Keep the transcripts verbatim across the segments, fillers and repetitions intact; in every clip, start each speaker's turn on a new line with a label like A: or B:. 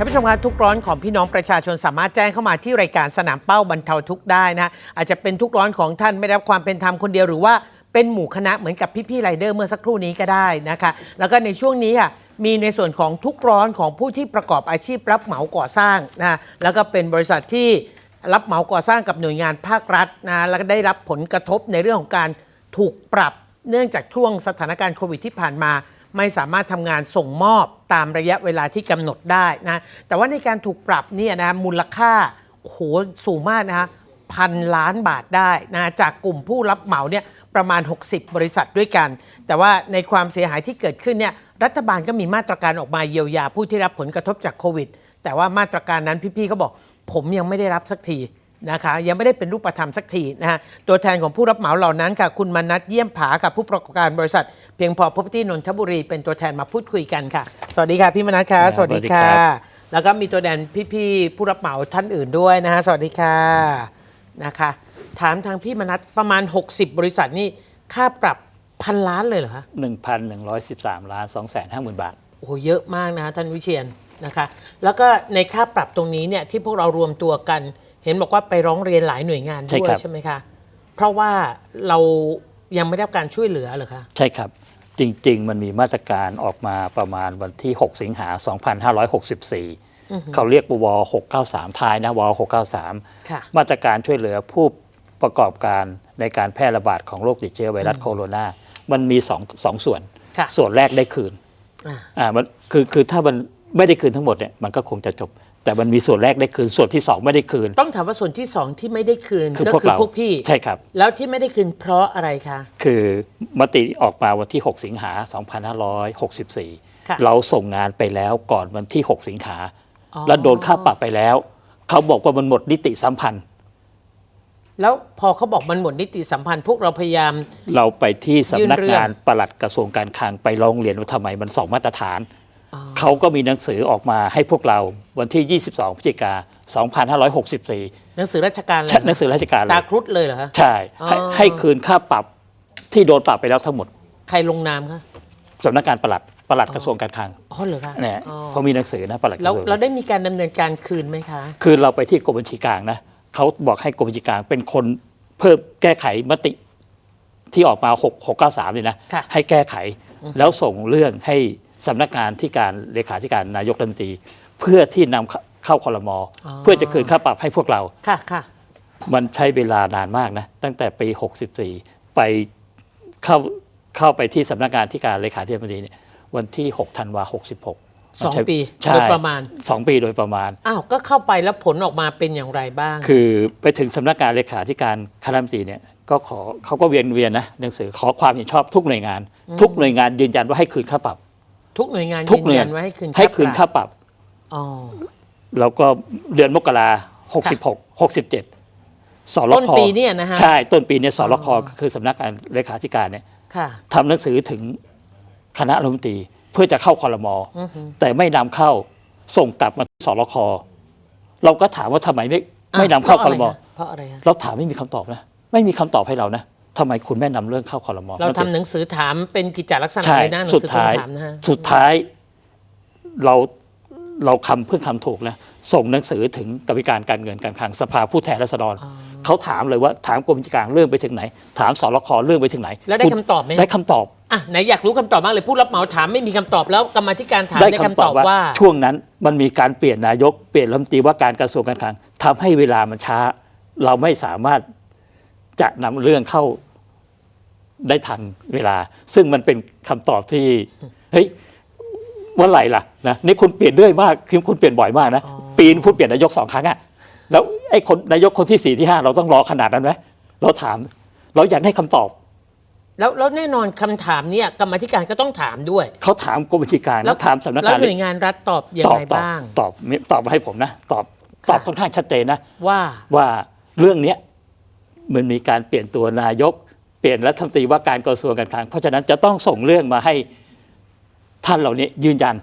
A: ท่านผู้ชมคะทุกร้อนของพี่น้องประชาชนสามารถแจ้งเข้ามาที่รายการสนามเป้าบรรเทาทุกข์ได้นะอาจจะเป็นทุกร้อนของท่านไม่ได้รับความเป็นธรรมคนเดียวหรือว่าเป็นหมู่คณะเหมือนกับพี่ๆไรเดอร์เมื่อสักครู่นี้ก็ได้นะคะแล้วก็ในช่วงนี้ค่ะมีในส่วนของทุกร้อนของผู้ที่ประกอบอาชีพรับเหมาก่อสร้างนะแล้วก็เป็นบริษัทที่รับเหมาก่อสร้างกับหน่วยงานภาครัฐนะแล้วก็ได้รับผลกระทบในเรื่องของการถูกปรับเนื่องจากช่วงสถานการณ์โควิดที่ผ่านมาไม่สามารถทำงานส่งมอบตามระยะเวลาที่กำหนดได้นะแต่ว่าในการถูกปรับเนี่ยนะมูลค่าโอ้โหสูงมากนะคะพันล้านบาทได้นะจากกลุ่มผู้รับเหมาเนี่ยประมาณหกสิบบริษัทด้วยกันแต่ว่าในความเสียหายที่เกิดขึ้นเนี่ยรัฐบาลก็มีมาตรการออกมาเยียวยาผู้ที่รับผลกระทบจากโควิดแต่ว่ามาตรการนั้นพี่ๆเขาบอกผมยังไม่ได้รับสักทีนะคะยังไม่ได้เป็นรูปธรรมสักทีนะฮะตัวแทนของผู้รับเหมาเหล่านั้นค่ะคุณมนัสเยี่ยมผากับผู้ประกอบการบริษัทเพียงพอ Property นนทบุรีเป็นตัวแทนมาพูดคุยกันค่ะสวัสดีค่ะพี่มนัสค่ะสวัสดีค่ะแล้วก็มีตัวแทนพี่ๆผู้รับเหมาท่านอื่นด้วยนะฮะสวัสดีค่ะนะคะถามทางพี่มนัสประมาณหกสิบบริษัทนี่ค่าปรับพันล้านเลยเหรอคะ
B: หนึ่งพันหนึ่งร้อยสิบสามล้านสองแสนห้าหมื่นบาท
A: โอ้โหเยอะมากนะท่านวิเชียรนะคะแล้วก็ในค่าปรับตรงนี้เนี่ยที่พวกเรารวมตัวกันเห็นบอกว่าไปร้องเรียนหลายหน่วยงานด้วย ใช่ไหมคะเพราะว่าเรายังไม่ได้รับการช่วยเหลือเหรอคะ
B: ใช่ครับจริงๆมันมีมาตรการออกมาประมาณวันที่หกสิงหาสองพันห้าร้อยหกสิบสี่เขาเรียกวหกเก้าสามท้ายนะวหกเก้าสามมาตรการช่วยเหลือผู้ประกอบการในการแพร่ระบาดของโรคติดเชื้อไวรัสโคโรนามันมีสองสองส่วนส่วนแรกได้คืนอ่ามันคือคือถ้ามันไม่ได้คืนทั้งหมดเนี่ยมันก็คงจะจบแต่มันมีส่วนแรกได้คืนส่วนที่สองไม่ได้คืน
A: ต้องถามว่าส่วนที่สองที่ไม่ได้คืนก็คือพวกพี่
B: ใช่ครับ
A: แล้วที่ไม่ได้คืนเพราะอะไรคะ
B: คือมติออกมาวันที่หกสิงหาสองพันห้าร้อยหกสิบสี่เราส่งงานไปแล้วก่อนวันที่หกสิงหาแล้วโดนค่าปรับไปแล้วเขาบอกว่ามันหมดนิติสัมพันธ์
A: แล้วพอเขาบอกมันหมดนิติสัมพันธ์พวกเราพยายาม
B: เราไปที่สำนักงานปลัดกระทรวงการคลังไปร้องเรียนว่าทำไมมันสองมาตรฐานเขาก็มีหนังสือออกมาให้พวกเราวันที่ยี่สิบสองพฤศจิกายนสองพันห้าร้อยหกสิบสี่
A: หนังสือราชการเลย
B: หนังสือราชการ
A: ตาครุฑเลยเหรอคะ
B: ใช่ให้ให้คืนค่าปรับที่โดนปรับไปแล้วทั้งหมด
A: ใครลงนามคะ
B: สำนักงานปลัดปลัดกระทรวงการคลัง
A: อ๋อเหรอคะ
B: เนี่ยพอมีหนังสือนะปลัด
A: แล้วเราได้มีการดำเนินการคืนไหมคะ
B: คือเราไปที่กรมบัญชีกลางนะเขาบอกให้กรมบัญชีกลางเป็นคนเพิ่มแก้ไขมติที่ออกมาหก หก เก้า สามเลยนะให้แก้ไขแล้วส่งเรื่องให้สำนักงานที่การเลขาธิการนายกรัฐมนตรีเพื่อที่นำเข้าครม.เพื่อจะคืนค่าปรับให้พวกเรา
A: ค่ะค่ะ
B: มันใช้เวลานานมากนะตั้งแต่ปีหกสิบสี่ไปเข้าเข้าไปที่สำนักงานที่การเลขาธิการนเนี่ยวันที่หกธันวาหกสิบหก
A: สองปีโดยประมาณ
B: สองปีโดยประมาณ
A: อ้าวก็เข้าไปแล้วผลออกมาเป็นอย่างไรบ้าง
B: คือไปถึงสำนักงานเลขาธิการคณะรัฐมนตรีเนี่ยก็ขอเขาก็เวียนเวียนนะหนังสือขอความเห็นชอบทุกหน่วยงานทุกหน่วยงานยืนยันว่าให้คืนค่าปรับ
A: ทุกหน่วยงานยืนยันว่าให้คืน
B: ให้คืนค่าปรับ
A: อ๋อ
B: แล้วก็เดือนมกราหกสิบหก หกสิบเจ็ดสรค
A: ต้นปีเนี่ยนะฮะ
B: ใช่ต้นปีเนี่ยสรคคือสำนักงานเลขาธิการเนี่ยทำหนังสือถึงคณะรัฐมนตรีเพื่อจะเข้าครม.แต่ไม่นำเข้าส่งกลับมาที่สรคเราก็ถามว่าทำไมไม่ไม่นำเข้าครม.
A: เพราะอะไร
B: เราถามไม่มีคำตอบนะไม่มีคำตอบให้เรานะทำไมคุณแม่นำเรื่องเข้าครม.
A: เราทำหนังสือถามเป็นกิจจลักษณะเลยนะหนังสือถามนะฮะ
B: สุดท้ายเราเราคำเพื่อคำถูกนะส่งหนังสือถึงกรรมการการเงินการคลังสภาผู้แทนราษฎรเขาถามเลยว่าถามกรมบัญชีกลางเรื่องไปถึงไหนถามสรคเรื่องไปถึงไหน
A: แล้วได้คำตอบไหม
B: ได้คำตอบ
A: อ่ะไหนอยากรู้คำตอบมากเลยผู้รับเหมาถามไม่มีคำตอบแล้วกรรมธิการถามได้คำตอบว่า
B: ช่วงนั้นมันมีการเปลี่ยนนายกเปลี่ยนรัฐมนตรีว่าการกระทรวงการคลังทำให้เวลามันช้าเราไม่สามารถจะนำเรื่องเข้าได้ทันเวลาซึ่งมันเป็นคำตอบที่เฮ้ยเมื่อไหร่ล่ะนะนี่คุณเปลี่ยนเรื่อยมากคือคุณเปลี่ยนบ่อยมากนะปีนคุณเปลี่ยนนายกสองครั้งอะแล้วไอ้คนนายกคนที่สี่ที่ห้าเราต้องรอขนาดนั้นไหมเราถามเราอยากได้คำตอบ
A: แล้วแล้วแน่นอนคำถามเนี่ยกรรมธิการก็ต้องถามด้วย
B: เขาถามกรมบัญชีกลางแล้วถามสำนักงาน
A: แล้วหน่วยงานรัฐตอบยังไงบ้าง
B: ตอบตอบมาให้ผมนะตอบตอบค่อนข้างชัดเจนนะ
A: ว่า
B: ว่าเรื่องนี้มันมีการเปลี่ยนตัวนายกเปลี่ยนรัฐมนตรีว่าการกระทรวงการคลังเพราะฉะนั้นจะต้องส่งเรื่องมาให้ท่านเหล่านี้ยืนยัน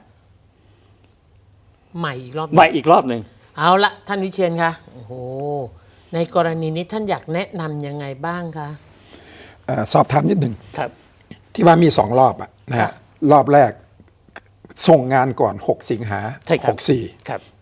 A: ใหม่อีกรอบ
B: ใหม่อีกรอบหนึ่ง
A: เอาละท่านวิเชียรคะโอ้โหในกรณีนี้ท่านอยากแนะนำยังไงบ้างคะ
C: สอบถามนิดหนึ่ง
B: ครับ
C: ที่ว่ามีสองรอบอะนะฮะรอบแรกส่งงานก่อนหกสิงหาหกสี่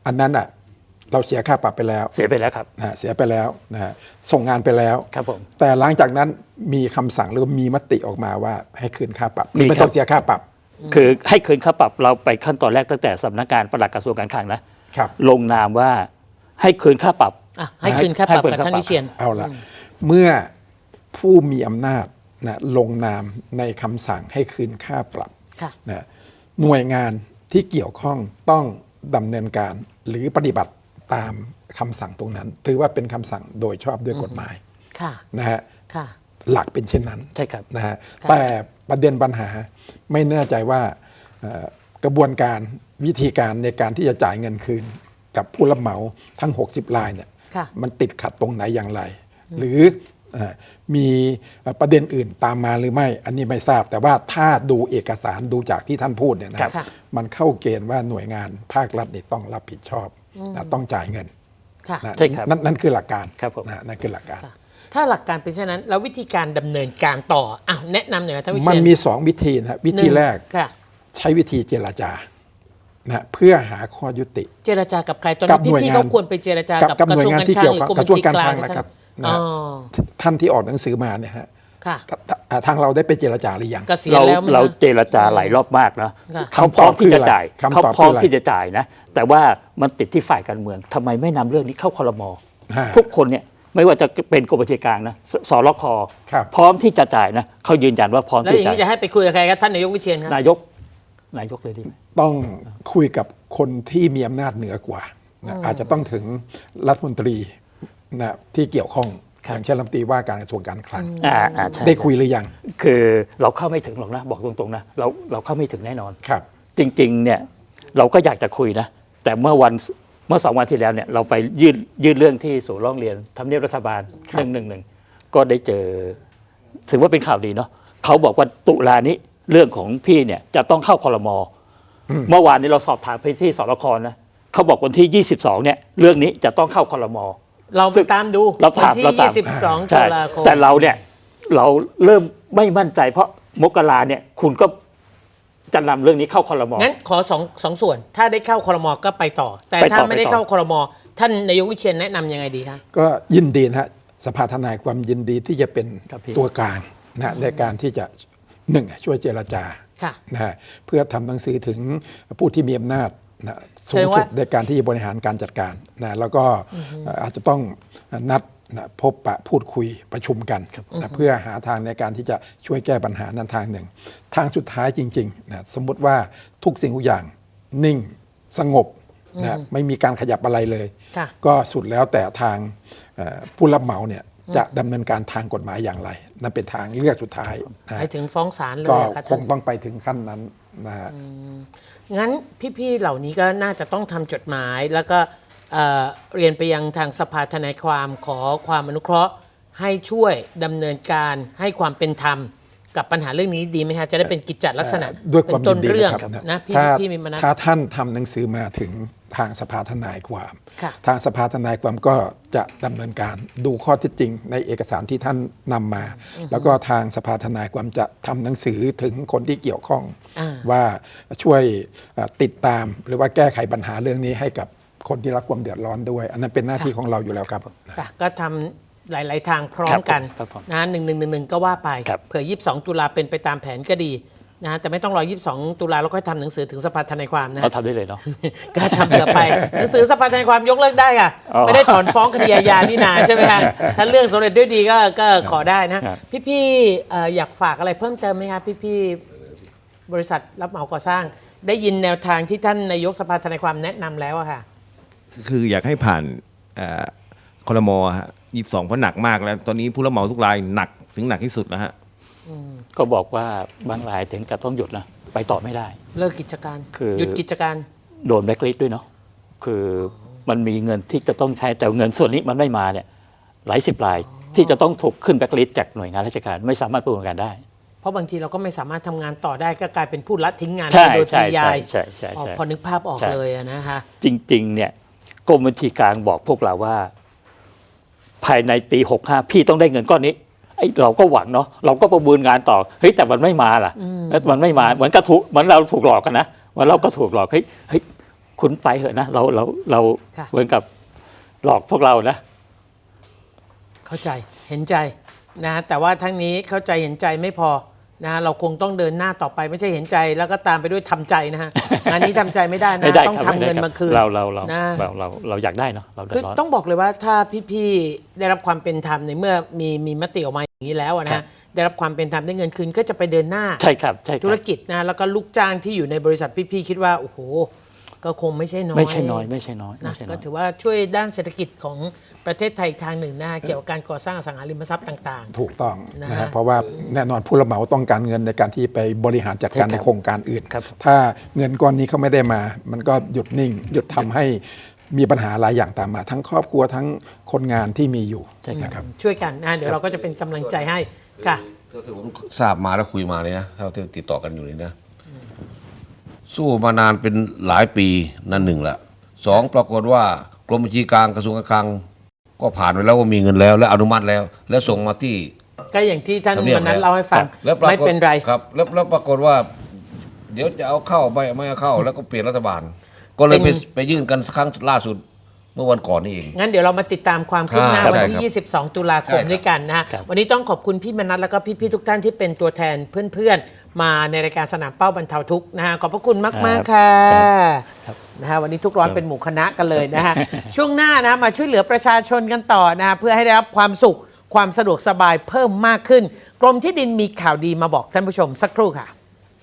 C: อันนั้นอ่ะเราเสียค่าปรับไปแล้ว
B: เสียไปแล้วครับ
C: นะฮะเสียไปแล้วนะฮะส่งงานไปแล้ว
B: ครับผม
C: แต่หลังจากนั้นมีคำสั่งหรือว่ามีมติออกมาว่าให้คืนค่าปรับ
B: มี
C: ไม่
B: ครั
C: ต้อบ งเสียค่าปรับ
B: คือให้คืนค่าปรับเราไปขั้นตอนแรกตั้งแต่สำนักงานปลัดกระทรวงการคลังนะครับ ลงนามว่าให้คืนค่าปรับ
A: อ่ะให้คืนค่าปรับ
B: ให้คืน
A: กับ
B: ค่า
A: ท่าน
B: ปรับ
A: วิเชียน
C: เอาละเมื่อผู้มีอำนาจนะลงนามในคำสั่งให้คืนค่าปรับ
A: ค่ะ
C: นะหน่วยงานที่เกี่ยวข้องต้องดำเนินการหรือปฏิบัติตามคำสั่งตรงนั้น ถือว่าเป็นคำสั่งโดยชอบด้วยกฎหมาย
A: ค่ะ
C: นะฮะ
A: ค่ะ
C: หลักเป็นเช่นนั้น
B: ใช่ครับ
C: นะฮะ
A: ครับ
C: แต่ประเด็นปัญหาไม่แน่ใจว่าเอ่อกระบวนการวิธีการในการที่จะจ่ายเงินคืนกับผู้รับเหมาทั้ง หกสิบ รายเนี่ย
A: ค่ะ
C: มันติดขัดตรงไหนอย่างไร หรือเอ่อมีประเด็นอื่นตามมาหรือไม่ อันนี้ไม่ทราบ แต่ว่าถ้าดูเอกสารดูจากที่ท่านพูดเนี่ยนะครับ
A: ค่ะ
C: มันเข้าเกณฑ์ว่าหน่วยงานภาครัฐนี่ต้องรับผิดชอบนะต้องจ่ายเงิน
A: ค่ะ
C: นะ
B: ใช่ครับ
C: นั่นนั่นคือหลักการ
B: ครับผม
C: นะนั่นคือหลักการ
A: ค่ะ ถ้าหลักการเป็นเช่นนั้น แล้ววิธีการดำเนินการต่ออ่ะแนะนำหน่อยท่านวิเชียน
C: มันมีสองวิธีนะวิธี
A: หนึ่ง
C: แรก
A: ค่ะ
C: ใช้วิธีเจรจานะเพื่อหาข้อยุติ
A: เจรจากับใครตอน
C: กั
A: นี้
C: บหน่วย
A: พี่
C: งาน
A: ๆเขาควรไปเจรจา
C: กับ
A: กับ
C: กับ
A: กระ
C: หน่วย
A: ทรวง
C: งาน
A: การ
C: ที่
A: คลั
C: เกี่
A: ง
C: ยว
A: หรือ
C: กับ
A: กรม
C: ก
A: บั
C: ระ
A: ญ
C: ทรวง
A: ชี
C: การ
A: กลา
C: คลั
A: ง
C: งนะครับ
A: อ๋
C: นะ
A: อ
C: ท่านที่ออกหนังสือมาเนี่ยฮะ
A: ค่ะ
C: ททางเราได้ไปเจรจาหรือยัง
A: เกษียณ
B: เรา
A: แล้วมั้ย
B: เรา
A: คะ
B: เจรจาหลายรอบมากนะ
A: ค่ะ
B: เขาพร้อมที่จะจ่าย
C: คำ
B: เขา
C: ตอบ
B: พร้อม
C: คืออะไร
B: ที่จะจ่ายนะ แต่ว่ามันติดที่ฝ่ายการเมืองทำไมไม่นำเรื่องนี้เข้าครม
C: ฮะ
B: ทุกคนเนี่ยไม่ว่าจะเป็นกรมบัญชีกลางนะสสรค
C: ครับ
B: พร้อมที่จะจ่ายนะเขายืนยันว่าพร้อม
A: แล้ว
B: ที่
A: อย่าง
B: จะ
A: นี้จะให้ไปคุยกับใครครับท่านนายกวิเชียนครับ
B: นายกนายกเลยดีไหม
C: ต้องคุยกับคนที่มีอำนาจเหนือกว่านะอาจจะต้องถึงรัฐมนตรีนะที่เกี่ยวข้องอย่างเช่นรัฐมนตรีว่าการกระทรวงการคลัง
B: อ่าอ่าใช่
C: ได้คุยหรือยัง
B: คือเราเข้าไม่ถึงหรอกนะ บอกตรงๆนะเราเราเข้าไม่ถึงแน่นอน
C: ครับ
B: จริงๆเนี่ยเราก็อยากจะคุยนะ แต่เมื่อวันเมื่อสองวันที่แล้วเนี่ยเราไปยื่นยื่นเรื่องที่ศูนย์ร้องเรียนทำเนียบรัฐบาล
C: ครั
B: ห
C: บ
B: นึ่งหนึ่งหนึ่งก็ได้เจอถือว่าเป็นข่าวดีเนาะเขาบอกว่าตุลานี้เรื่องของพี่เนี่ยจะต้องเข้าครม เมื่อวานนี้เราสอบถามไปที่สรคนะเขาบอกวันที่ยี่สิบสองเนี่ยเรื่องนี้จะต้องเข้าครม
A: เราไปตามดู
B: เราถาม
A: วันที่
B: เราตาม
A: ยี่สิบสองตุ
B: ใช่
A: ลาคม
B: แต่เราเนี่ยเราเริ่มไม่มั่นใจ เพราะมกราเนี่ยคุณก็จะนำเรื่องนี้เข้าครม
A: งั้นขอสองสองส่วน ถ้าได้เข้าครมก็ไปต่อ แต่
B: ไปต่อ
A: ถ้าไม่ได้
B: ไปต่อ
A: เข้าครมท่านนายกวิเชียนแนะนำยังไงดีคะ
C: ก็ยินดีนะฮะสภาทนายความยินดีที่จะเป็น
B: ครับพี่
C: ตัวกลางนะในการที่จะหนึ่งช่วยเจรจา
A: ค่ะ
C: นะฮะเพื่อทำหนังสือถึงผู้ที่มีอำนาจนะสูง
A: แสดง
C: สุ
A: ว่า
C: ดในการที่จะบริหารการจัดการนะแล้วก็เอ่ออาจจะต้องนัดนะพบปะพูดคุยประชุมกันนะเพื่อหาทางในการที่จะช่วยแก้ปัญหานั้นทางหนึ่ง ทางสุดท้ายจริงๆนะสมมุติว่าทุกสิ่งทุกอย่างนิ่งสงบนะไม่มีการขยับอะไรเลย
A: ค่ะ
C: ก็สุดแล้วแต่ทางเอ่อผู้รับเหมาเนี่ยจะดำเนินการทางกฎหมายอย่างไร นั่นเป็นทางเลือกสุดท้ายนะ
A: ไปถึงฟ้องศาลเลย
C: ก็
A: อะค่ะ
C: ค
A: ท่าน
C: งต้องไปถึงขั้นนั้นนะฮะ
A: งั้นพี่ๆเหล่านี้ก็น่าจะต้องทำจดหมาย แล้วก็เอ่อเรียนไปยังทางสภาทนายความขอความอนุเคราะห์ ให้ช่วยดำเนินการให้ความเป็นธรรมกับปัญหาเรื่องนี้ดีไหมฮะจะได้เป็นกิจจลักษณะ
C: ด้วยความ
A: เป็นต้น
C: ยินดี
A: เรื่อง
C: นะครับ
A: นะพี่
C: ถ้า
A: พี่มีมนัส
C: ถ้าท่านทำหนังสือมาถึงทางสภาทนายความ
A: ค่ะ
C: ทางสภาทนายความก็จะดำเนินการดูข้อเท็จจริงในเอกสารที่ท่านนำมา แล้วก็ทางสภาทนายความจะทำหนังสือถึงคนที่เกี่ยวข้อง
A: อ่า
C: ว่าช่วยเอ่อติดตามหรือว่าแก้ไขปัญหาเรื่องนี้ให้กับคนที่รับความเดือดร้อนด้วย อันนั้นเป็นหน้าที่ของเราอยู่แล้วครับ
A: ค่ะก็ทำหลาย ๆ ทางพร้อมกัน
B: ครับผม
A: นะหนึ่งหนึ่งหนึ่งหนึ่งก็ว่าไป
B: ครับ
A: เผื่อยี่สิบสองตุลาเป็นไปตามแผนก็ดีนะฮะแต่ไม่ต้องรอยี่สิบสองตุลาแล้วค่อยทำหนังสือถึงสภาทนายความนะ
B: เราทำได้เลยเนาะ
A: ก็ทำเผื่อไป หนังสือสภาทนายความยกเลิกได้ค่ะ
B: อ๋อ
A: ไม่ได้ถอนฟ้องคดีอาญานี่นาใช่ไหมคะถ้าเรื่องสำเร็จด้วยดีก็ก็ขอได้นะ
B: ครับ
A: พี่ๆเอ่ออยากฝากอะไรเพิ่มเติมไหมคะพี่ๆบริษัทรับเหมาก่อสร้าง ได้ยินแนวทางที่ท่านนายกสภาทนายความแนะนำแล้วอะค่ะ
D: คืออยากให้ผ่านเอ่อครมฮะยี่สิบสองเพราะหนักมากแล้ว ตอนนี้ผู้รับเหมาทุกรายหนักถึงหนักที่สุดแล้วฮะ
B: ก็บอกว่าบางรายถึงกับต้องหยุดนะไปต่อไม่ได้
A: เลิกกิจการ
B: คือ
A: หยุดกิจการ
B: โดนแบล็คลิสต์ด้วยเนาะคือมันมีเงินที่จะต้องใช้แต่เงินส่วนนี้มันไม่มาเนี่ยหลายสิบรายที่จะต้องถูกขึ้นแบล็คลิสต์จากหน่วยงานราชการไม่สามารถประเมินการได้
A: เพราะบางทีเราก็ไม่สามารถทำงานต่อได้ก็กลายเป็นผู้ละทิ้งงาน
B: ใช่
A: ไปโดยป
B: ใช่
A: ริยาย
B: ใช่ใช่
A: อ๋อ
B: ใช่
A: พอนึกภาพออก
B: ใช่
A: เลยอะนะคะ
B: จริงๆเนี่ยกรมบัญชีกลางบอกพวกเราว่า ภายในปีหกห้าพี่ต้องได้เงินก้อนนี้ไอ้เราก็หวังเนาะเราก็ประเมินงานต่อเฮ้ยแต่มันไม่มาล่ะมันไม่มาเหมือนกระถูกเหมือนเราถูกหลอกกันนะเหมือนเราก็ถูกหลอกเฮ้ยเฮ้ยคุณไปเถอะนะเราเราเรา
A: ค่ะ
B: เหมือนกับหลอกพวกเรานะ
A: เข้าใจเห็นใจนะแต่ว่าทั้งนี้เข้าใจเห็นใจไม่พอนะเราคงต้องเดินหน้าต่อไปไม่ใช่เห็นใจแล้วก็ตามไปด้วยทำใจนะฮะ งานนี้ทำใจไม่ได้นะ
B: ไม่ได้
A: ต้อง
B: ครับ
A: ทำ
B: ไม่ได้
A: เงิน
B: ครับ
A: มาคืน
B: เราเราเรา
A: นะ
B: เราเราเราอยากได้เนาะเราเดือ
A: คือ
B: ดร้อน
A: ต้องบอกเลยว่าถ้าพี่ๆได้รับความเป็นธรรมในเมื่อมีมีมติออกมาอย่างนี้แล้วอะ
B: ครั
A: นะ
B: บ
A: ได้รับความเป็นธรรมได้เงินคืนก็จะไปเดินหน้า
B: ใช่ครับใช่ค
A: ธุ
B: รั
A: ร
B: บ
A: กิจนะแล้วก็ลูกจ้างที่อยู่ในบริษัทพี่ๆคิดว่าโอ้โหก็คงไม่ใช่น้อย
B: ไม่ใช่น้อยไม่ใช่น้อยไม่
A: นะ
B: ใช่น้
A: ก็
B: อย
A: ถือว่าช่วยด้านเศรษฐกิจของประเทศไทยอีกทางหนึ่งนะเกี่ยวกับการก่อสร้างอสังหาริมทรัพย์ต่าง
C: ถูกต้อง
A: นะ
C: นะ
A: ฮะ
C: ฮะเพราะว่าแน่นอนผู้รับเหมาต้องการเงินในการที่ไปบริหารจัดการ
B: ใช่ครับ
C: ในโครงการอื่น
B: ครับ
C: ถ้าเงินก้อนนี้เขาไม่ได้มา มันก็หยุดนิ่ง หยุดทำให้มีปัญหาหลายอย่างตามมา ทั้งครอบครัวทั้งคนงานที่มีอยู่
B: ใช่ครับ
C: นะครับ
A: ๆ ช่วยกันนะเดี๋ยวเราก็จะเป็นกำลังใจให้ค่ะ
E: เท่าที่ผมทราบมาแล้วคุยมาเนี่ยนะเท่าที่ติดต่อกันอยู่นี่นะ สู้มานานเป็นหลายปีนั่นหนึ่งละสองปรากฏว่ากรมบัญชีกลางกระทรวงการคลัง ก็ผ่านไปแล้วว่ามีเงินแล้วและอนุมัติแล้ว และส่งมาที่
A: ก็อย่างที่ท่าน
E: ทำเนียบ
A: วันนั้น
E: แล้ว
A: เล่าให้ฟัง
E: ครับแล้วปรากฏ
A: ไม่เป็นไร
E: ครับแล้วแล้วปรากฏว่า เดี๋ยวจะเอาเข้าไม่ไม่เอาเข้า แล้วก็เปลี่ยนรัฐบาล ก็เลยไป
A: เป็น
E: ไปยื่นกันครั้งล่าสุดเมื่อวันก่อนนี่เอง
A: งั้นเดี๋ยวเรามาติดตามความคืบหน้า
E: ครับ
A: วัน
E: ใช่
A: ที่
E: ครับ
A: ยี่สิบสอง ตุลาคม
E: ใช่ครับ
A: ด้วยกันนะฮะ
B: ครับ
A: วันนี้ต้องขอบคุณพี่มนัสแล้วก็พี่ๆทุกท่านที่เป็นตัวแทนเพื่อนๆ มาในรายการสนามเป้าบรรเทาทุกข์นะฮะขอบพระคุณมากๆค่ะนะฮะวันนี้ทุกร้อนเป็นหมู่คณะกันเลยนะฮะ ช่วงหน้านะมาช่วยเหลือประชาชนกันต่อนะฮะเพื่อให้ได้รับความสุขความสะดวกสบายเพิ่มมากขึ้น กรมที่ดินมีข่าวดีมาบอกท่านผู้ชมสักครู่ค่ะ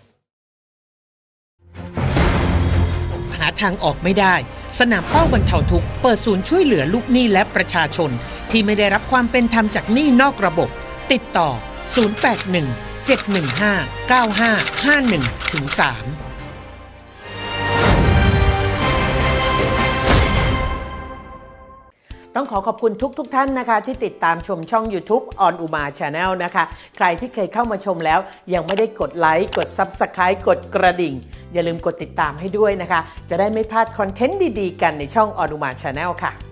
A: หาทางออกไม่ได้ สนามเป้าบรรเทาทุกข์เปิดศูนย์ช่วยเหลือลูกหนี้และประชาชน ที่ไม่ได้รับความเป็นธรรมจากหนี้นอกระบบ ติดต่อ ศูนย์ แปด หนึ่ง เจ็ด หนึ่ง ห้า เก้า ห้า ห้า หนึ่ง ถึง สาม ต้องขอขอบคุณทุกๆทท่านนะคะที่ติดตามชมช่อง YouTube On Uma Channel นะคะ ใครที่เคยเข้ามาชมแล้วยังไม่ได้กดไลค์กด Subscribe กดกระดิ่ง อย่าลืมกดติดตามให้ด้วยนะคะ จะได้ไม่พลาดคอนเทนต์ดีๆกันในช่อง On Uma Channel ค่ะ